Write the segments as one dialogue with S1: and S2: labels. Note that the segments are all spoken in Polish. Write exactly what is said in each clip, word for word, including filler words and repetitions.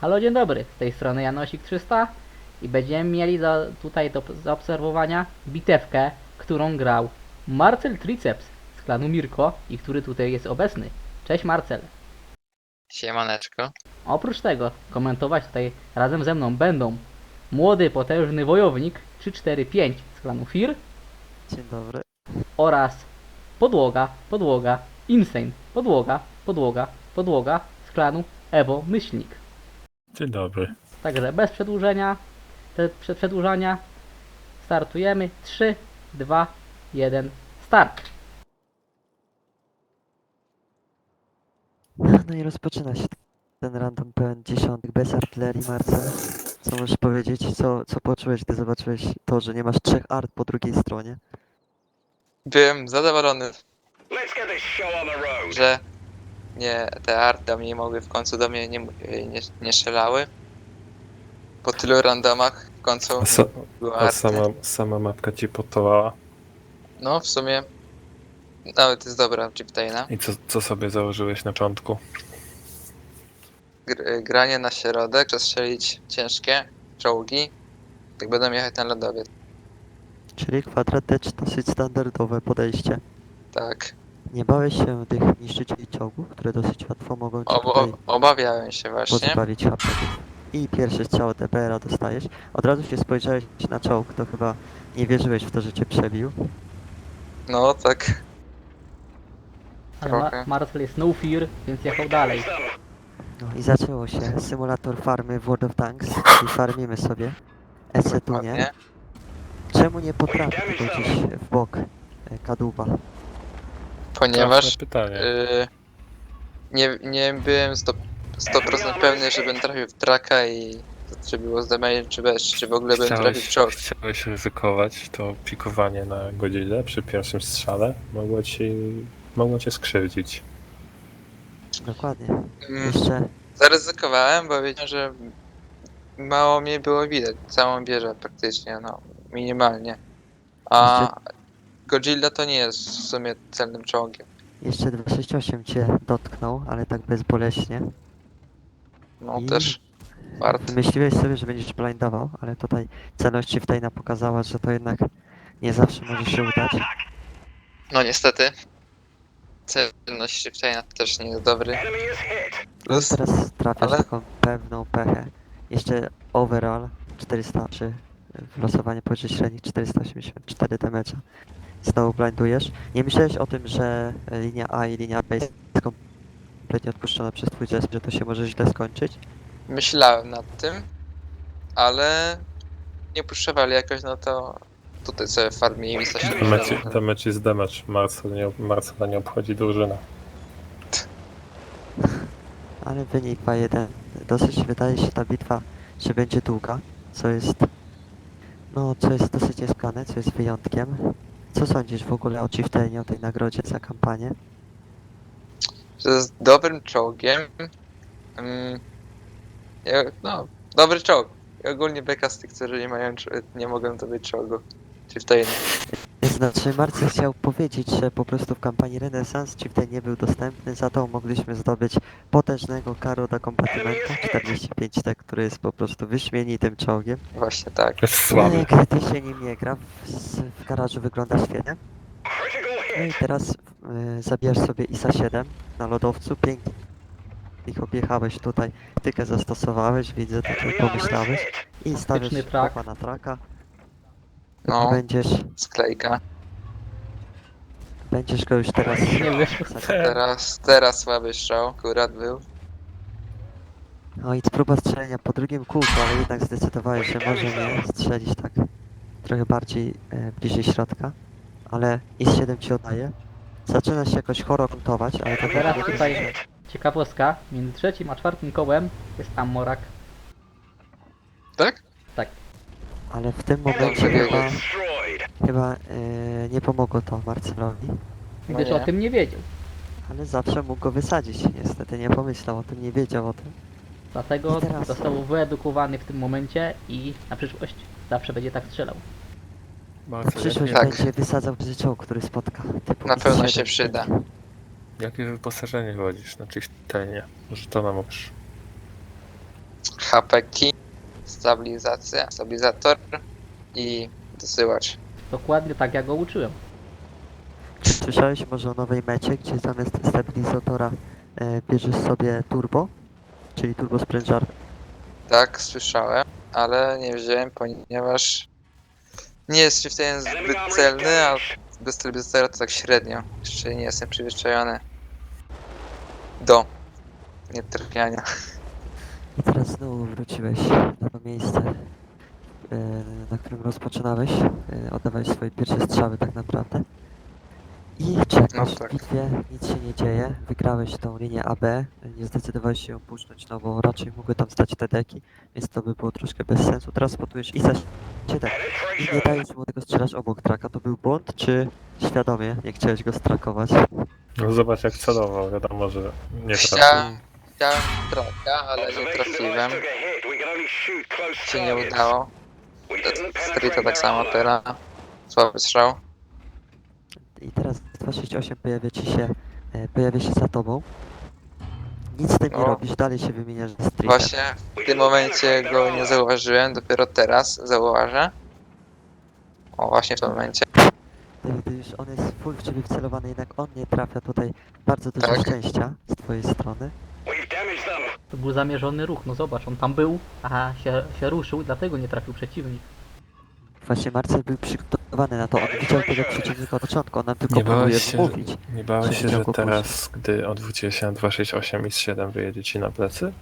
S1: Halo, dzień dobry, z tej strony Janosik trzysta i będziemy mieli za, tutaj do zaobserwowania bitewkę, którą grał Marcel Triceps z klanu Mirko i który tutaj jest obecny. Cześć Marcel.
S2: Siemaneczko.
S1: Oprócz tego komentować tutaj razem ze mną będą młody, potężny wojownik trzy cztery pięć z klanu Fir
S3: Dzień dobry.
S1: oraz podłoga, podłoga, insane, podłoga, podłoga, podłoga z klanu Evo Myślnik.
S4: Dzień dobry.
S1: Także bez przedłużenia, te, przed przedłużania startujemy. trzy, dwa, jeden, start.
S3: No i rozpoczyna się ten random pełen dziesiątek bez artylerii, Marcel. Co możesz powiedzieć? Co, co poczułeś, gdy zobaczyłeś to, że nie masz trzech art po drugiej stronie?
S2: Byłem zadowolony, że nie, te arty do mnie mogły w końcu do mnie nie, nie, nie strzelały. Po tylu randomach w końcu
S4: A, sa,
S2: była
S4: a
S2: arty.
S4: sama, sama mapka ci potowała.
S2: No w sumie nawet jest dobra Chiptaina.
S4: I co, co sobie założyłeś na początku?
S2: Gr granie na środek, przestrzelić ciężkie czołgi, tak będą jechać na lodowiec.
S3: Czyli kwadrat D dosyć standardowe podejście.
S2: Tak.
S3: Nie bałeś się tych niszczycieli czołgów, które dosyć łatwo mogą cię
S2: Obo
S3: tutaj
S2: obawiałem się właśnie.
S3: pozbawić H P. I pierwszy strzał D P R-a dostajesz. Od razu się spojrzałeś na czołg, to chyba nie wierzyłeś w to, że cię przebił.
S2: No tak.
S1: Ale Ma
S2: Trochę.
S1: Marcel jest no fear, więc jechał dalej.
S3: No i zaczęło się symulator farmy w World of Tanks, czyli farmimy sobie. Esetunie.
S2: Ładnie.
S3: Czemu nie potrafi tylko gdzieś w bok e, kadłuba?
S2: Ponieważ
S4: Trafne pytanie.
S2: y nie, nie byłem sto procent pewny, że będę trafił w traka i to czy było z damage, czy bez, czy w ogóle będę trafił w czołg.
S4: chciałeś ryzykować to pikowanie na godzinę przy pierwszym strzale? Mogło ci, mogło cię skrzywdzić.
S3: Dokładnie.
S2: Mm,
S3: Jeszcze
S2: Zaryzykowałem, bo wiedziałem, że mało mnie było widać, całą wieżę praktycznie, no minimalnie. A Godzilla to nie jest w sumie celnym czołgiem.
S3: Jeszcze dwieście sześćdziesiąt osiem cię dotknął, ale tak bezboleśnie.
S2: No
S3: I
S2: też wart.
S3: Wymyśliłeś sobie, że będziesz blindował, ale tutaj celność Chieftaina pokazała, że to jednak nie zawsze może się udać.
S2: No niestety. Celność Shiftaina też nie jest dobry.
S3: No i
S2: Plus,
S3: teraz trafiasz
S2: ale-
S3: taką pewną pechę. Jeszcze overall czterysta trzy w losowanie poniżej średnich czterysta osiemdziesiąt cztery damage'a. Znowu blindujesz. Nie myślałeś o tym, że linia A i linia B jest kompletnie odpuszczona przez twój zespół, że to się może źle skończyć?
S2: myślałem nad tym, ale nie puszczowali jakoś, no to tutaj sobie farmili mi coś.
S4: Damage, damage jest damage. Marcel nie, Marcela nie obchodzi drużyna.
S3: Ale wynik dwa jeden. Dosyć wydaje się ta bitwa, że będzie długa, co jest no, co jest dosyć niespane, co jest wyjątkiem. Co sądzisz w ogóle o Chieftainie, o tej nagrodzie za kampanię?
S2: Że jest dobrym czołgiem. Mm, ja- no, dobry czołg. I ogólnie beka z tych, którzy nie mają, czo- nie mogą to być czołgu. Chieftain.
S3: Znaczy, Marcel chciał powiedzieć, że po prostu w kampanii Renesans Chieftain nie był dostępny, za to mogliśmy zdobyć potężnego Karoda Kombatymenta czterdzieści pięć T, który jest po prostu wyśmienitym czołgiem.
S2: Właśnie tak.
S4: Jest słaby.
S3: Ale gdy się nim nie gra, w, w garażu wygląda świetnie. No i teraz y, zabijasz sobie I S A siedem na lodowcu, pięknie ich objechałeś tutaj, tykę zastosowałeś, widzę, tutaj pomyślałeś i stawiasz
S1: Taktyczny trak.
S3: kopa na traka.
S2: No,
S3: Będziesz,
S2: sklejka.
S3: będziesz go już teraz...
S1: Nie wyszło.
S2: Teraz, teraz słaby strzał, akurat był.
S3: No i próba strzelenia po drugim kółku, ale jednak zdecydowałeś, że może nie strzelić tak trochę bardziej e, bliżej środka. Ale I S siedem ci oddaje. Zaczyna się jakoś choro kontować, ale to
S1: Teraz
S3: nie
S1: tutaj ciekawostka, między trzecim a czwartym kołem jest Amorak.
S2: Tak?
S3: Ale w tym
S2: Dobrze
S3: momencie chyba,
S2: wiedzieć.
S3: chyba e, nie pomogło to Marcelowi.
S2: No
S1: Gdyż
S2: nie.
S1: o tym nie wiedział.
S3: Ale zawsze mógł go wysadzić. Niestety nie pomyślał o tym, nie wiedział o tym.
S1: Dlatego
S3: I teraz-
S1: został wyedukowany w tym momencie i na przyszłość zawsze będzie tak strzelał.
S3: Na
S4: Marcel,
S3: przyszłość
S4: jakie,
S2: Tak.
S3: będzie wysadzał bzy czołg, który spotka. Typu
S2: Na
S3: I S
S2: pewno
S3: siedem.
S2: się przyda.
S4: jakie wyposażenie wodzisz na Chieftainie? Może to nam możesz.
S2: H P key, stabilizacja, stabilizator i dosyłacz.
S1: Dokładnie tak jak go uczyłem.
S3: Czy słyszałeś może o nowej mecie, gdzie zamiast stabilizatora e, bierzesz sobie turbo, czyli turbo sprężar?
S2: Tak, słyszałem, ale nie wziąłem, ponieważ nie jest w tym zbyt celny, a bez stabilizatora to tak średnio. Jeszcze nie jestem przyzwyczajony do nietrafiania.
S3: I teraz znowu wróciłeś na to miejsce, e, na którym rozpoczynałeś. E, oddawałeś swoje pierwsze strzały tak naprawdę. I czekasz
S2: No
S3: w
S2: tak.
S3: bitwie, nic się nie dzieje. Wygrałeś tą linię A B, nie zdecydowałeś się ją puszczać, no bo raczej mogły tam stać te deki, więc to by było troszkę bez sensu. Teraz spotujesz i za siedem i nie dajesz mu tego strzelasz obok traka. To był błąd, czy świadomie nie chciałeś go strakować?
S4: No zobacz jak celował, wiadomo, że nie trafił.
S2: Chciałem, chciałem traka, ale nie trafiłem. Się nie udało. Streeta tak samo teraz. Słaby strzał.
S3: I teraz dwa sześć osiem pojawia ci się, e, pojawia się za tobą. Nic z tym nie
S2: No.
S3: robisz, dalej się wymieniasz ze streetem.
S2: Właśnie w tym momencie go nie zauważyłem, dopiero teraz zauważę. O, właśnie w tym momencie.
S3: Ty, ty już on jest full w ciebie wcelowany, jednak on nie trafia tutaj. Bardzo dużo
S2: Tak.
S3: szczęścia z twojej strony.
S1: To był zamierzony ruch, no zobacz, on tam był, a się, się ruszył, dlatego nie trafił przeciwnik.
S3: Właśnie Marcel był przygotowany na to, on widział tego przeciwnika od początku, on nam tylko
S4: Nie
S3: próbuje
S4: bałeś się,
S3: wmówić.
S4: nie bałeś
S3: że
S4: się,
S3: widział
S4: że
S3: go
S4: teraz, gdy odwróciłeś się na dwa sześć osiem i z siedem wyjedzie ci na plecy?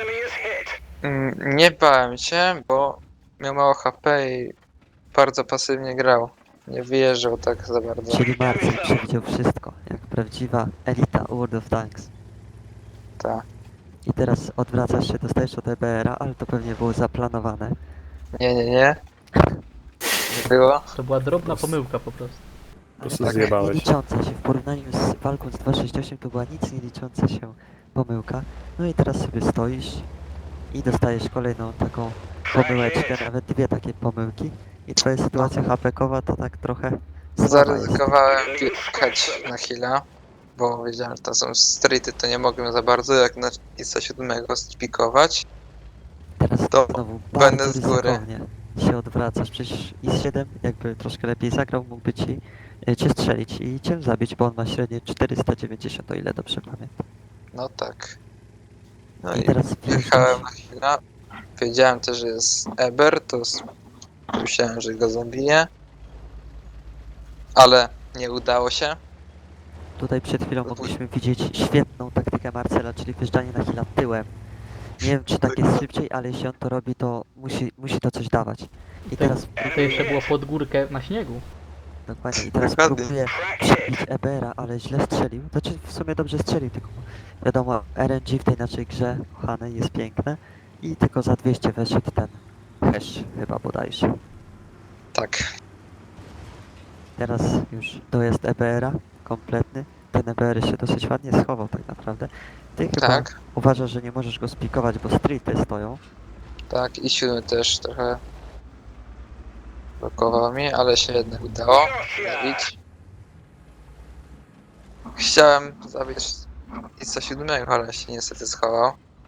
S2: Mm, Nie bałem się, bo miał mało H P i bardzo pasywnie grał. Nie wyjeżdżał tak za bardzo.
S3: Czyli Marcel przewidział wszystko, jak prawdziwa elita World of Tanks.
S2: Tak.
S3: I teraz odwracasz się, dostajesz od E B R a, ale to pewnie było zaplanowane.
S2: Nie, nie, nie. Nie było.
S1: To była drobna
S4: prostu-
S1: pomyłka po prostu.
S4: Po prostu
S3: tak
S4: zjebałeś.
S3: nie licząca się, w porównaniu z walką z dwa sześć osiem to była nic nie licząca się pomyłka. No i teraz sobie stoisz i dostajesz kolejną taką pomyłeczkę, nawet dwie takie pomyłki. I twoja sytuacja H P-kowa to tak trochę słaba jest.
S2: Zaryzykowałem wjechać na heal'a, bo wiedziałem, że to są streety, to nie mogłem za bardzo jak na Isa siódmego spikować.
S3: Teraz
S2: to
S3: znowu
S2: będę
S3: bardzo
S2: z góry.
S3: ryzykownie się odwracasz. Przecież I S siedem jakby troszkę lepiej zagrał, mógłby ci e, cię strzelić i cię zabić, bo on ma średnie czterysta dziewięćdziesiąt, o ile dobrze pamiętam.
S2: No tak. No
S3: I
S2: i
S3: teraz
S2: wjechałem
S3: wjeżdżasz.
S2: na heal'a. Wiedziałem też, że jest Eber, to s- myślałem, że go zabiję. Ale nie udało się.
S3: Tutaj przed chwilą mogliśmy widzieć świetną taktykę Marcela, czyli wjeżdżanie na chwilę tyłem. Nie wiem, czy tak jest szybciej, ale jeśli on to robi, to musi, musi to coś dawać. I teraz,
S1: To jeszcze było pod górkę na śniegu.
S3: dokładnie, i teraz
S2: Dokładnie.
S3: próbuje przebić E B R a, ale źle strzelił. Znaczy, w sumie dobrze strzelił, tylko wiadomo, R N G w tej naszej grze, kochane, jest piękne. I tylko za dwieście weszedł ten hash, chyba bodajże.
S2: Tak.
S3: Teraz już dojazd E B R a kompletny. Ten E B R się dosyć ładnie schował tak naprawdę. Ty chyba
S2: Tak.
S3: uważasz, że nie możesz go spikować, bo streety stoją.
S2: Tak. I siódmy też trochę blokował mi, ale się jednak udało zabić. Chciałem zabić Isa siódmego, ale się niestety schował.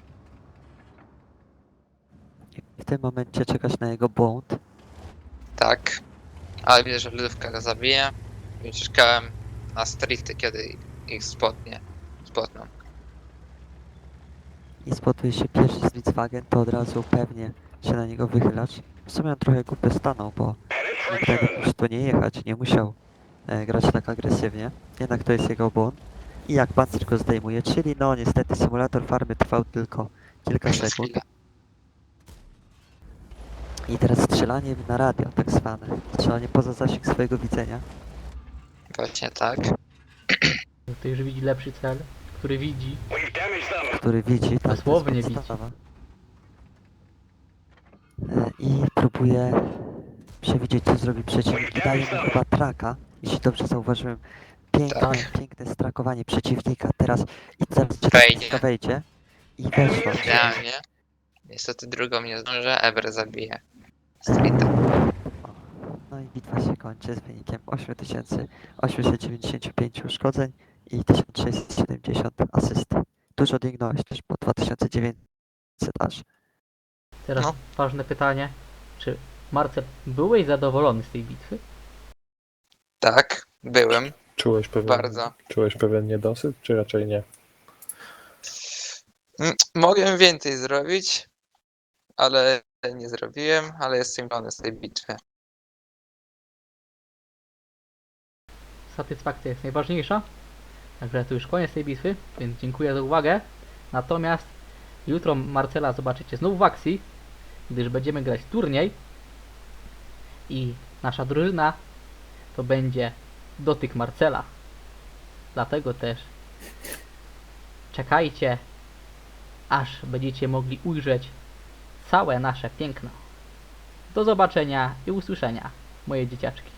S3: I w tym momencie czekasz na jego błąd.
S2: Tak. Ale widzę, że lodówka go zabije. I czekałem na streety, kiedy ich spotnie. Spotną.
S3: I spotuje się pierwszy Volkswagen, to od razu pewnie się na niego wychylasz. W sumie on trochę głupio stanął, bo mógł tak jakoś tu nie jechać, nie musiał e, grać tak agresywnie. Jednak to jest jego błąd. I jak pancerz go zdejmuje, czyli no niestety symulator farmy trwał tylko kilka
S2: Przez
S3: sekund.
S2: chwilę.
S3: I teraz strzelanie na radio, tak zwane. Strzelanie poza zasięg swojego widzenia.
S2: Właśnie tak.
S1: To już widzi lepszy cel, który widzi.
S3: Który widzi, tak, to jest
S1: Dosłownie widzi.
S3: podstawa. E, I próbuje przewidzieć, co zrobi przeciwnik. I daje mu chyba traka, jeśli dobrze zauważyłem. Piękne,
S2: Tak.
S3: piękne strakowanie przeciwnika. Teraz i zaraz czy
S2: Wejdzie.
S3: ta wejdzie. I weszła.
S2: Idealnie. Niestety drugą nie zdążę, Eber zabije. Streeta.
S3: No i bitwa się kończy z wynikiem osiem tysięcy osiemset dziewięćdziesiąt pięć uszkodzeń i tysiąc sześćset siedemdziesiąt asyst. Dużo dźwignąłeś też, po dwa tysiące dziewięćset aż.
S1: Teraz
S2: No.
S1: ważne pytanie. Czy Marcel, byłeś zadowolony z tej bitwy?
S2: Tak, byłem.
S4: Czułeś pewien,
S2: Bardzo.
S4: czułeś pewien niedosyt, czy raczej nie?
S2: Mm, Mogłem więcej zrobić, ale nie zrobiłem, ale jestem zadowolony z tej bitwy.
S1: Satysfakcja jest najważniejsza. Także to już koniec tej bitwy, więc dziękuję za uwagę. Natomiast jutro Marcela zobaczycie znów w akcji, gdyż będziemy grać turniej i nasza drużyna to będzie dotyk Marcela. Dlatego też czekajcie, aż będziecie mogli ujrzeć całe nasze piękno. Do zobaczenia i usłyszenia, moje dzieciaczki.